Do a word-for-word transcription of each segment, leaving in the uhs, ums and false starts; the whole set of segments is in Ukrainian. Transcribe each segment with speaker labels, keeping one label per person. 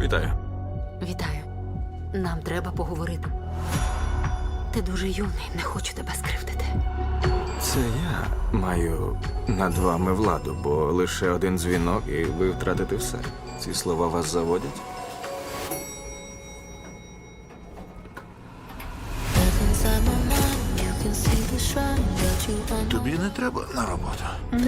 Speaker 1: Вітаю.
Speaker 2: Вітаю. Нам треба поговорити. Ти дуже юний, не хочу тебе скривдити.
Speaker 1: Це я маю над вами владу, бо лише один дзвінок, і ви втратите все. Ці слова вас заводять?
Speaker 3: Тобі не треба на роботу.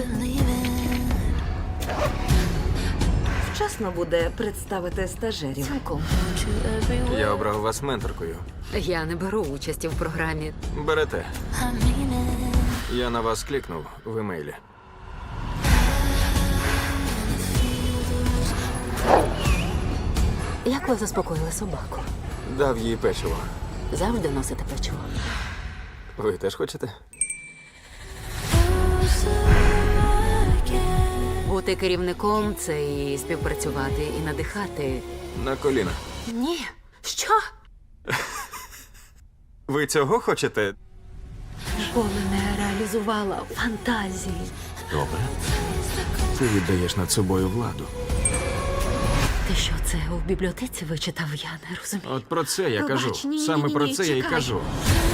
Speaker 4: Вчасно буде представити стажерів.
Speaker 2: Цілком.
Speaker 1: Я обрав вас менторкою.
Speaker 2: Я не беру участі в програмі.
Speaker 1: Берете. Я на вас клікнув в емейлі.
Speaker 2: Як ви заспокоїли собаку?
Speaker 1: Дав їй печиво.
Speaker 2: Завжди носите печиво.
Speaker 1: Ви теж хочете?
Speaker 2: Бути керівником це і співпрацювати, і надихати.
Speaker 1: На коліна.
Speaker 2: Ні. Що?
Speaker 1: Ви цього хочете?
Speaker 2: Ніколи не реалізувала фантазії.
Speaker 3: Добре.
Speaker 1: Ти віддаєш над собою владу.
Speaker 2: Ти що, це у бібліотеці вичитав? Я не розумію.
Speaker 1: От про це я
Speaker 2: Пробач,
Speaker 1: кажу.
Speaker 2: ні, ні,
Speaker 1: Саме
Speaker 2: ні,
Speaker 1: про
Speaker 2: ні,
Speaker 1: це я й
Speaker 2: чекай.
Speaker 1: кажу.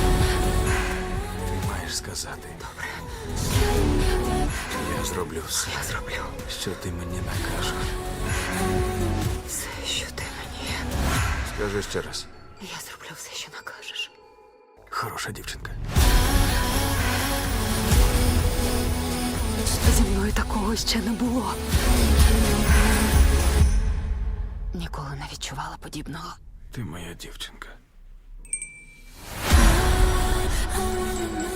Speaker 1: Ти маєш сказати. Добре. Я зроблю все,
Speaker 2: Я зроблю
Speaker 1: що ти мені накажеш.
Speaker 2: все, що ти мені.
Speaker 1: Скажи ще раз.
Speaker 2: Я зроблю все, що накажеш.
Speaker 1: Хороша дівчинка.
Speaker 2: Зі мною такого ще не було. Ніколи не відчувала подібного.
Speaker 1: Ти моя дівчинка.
Speaker 5: I wanna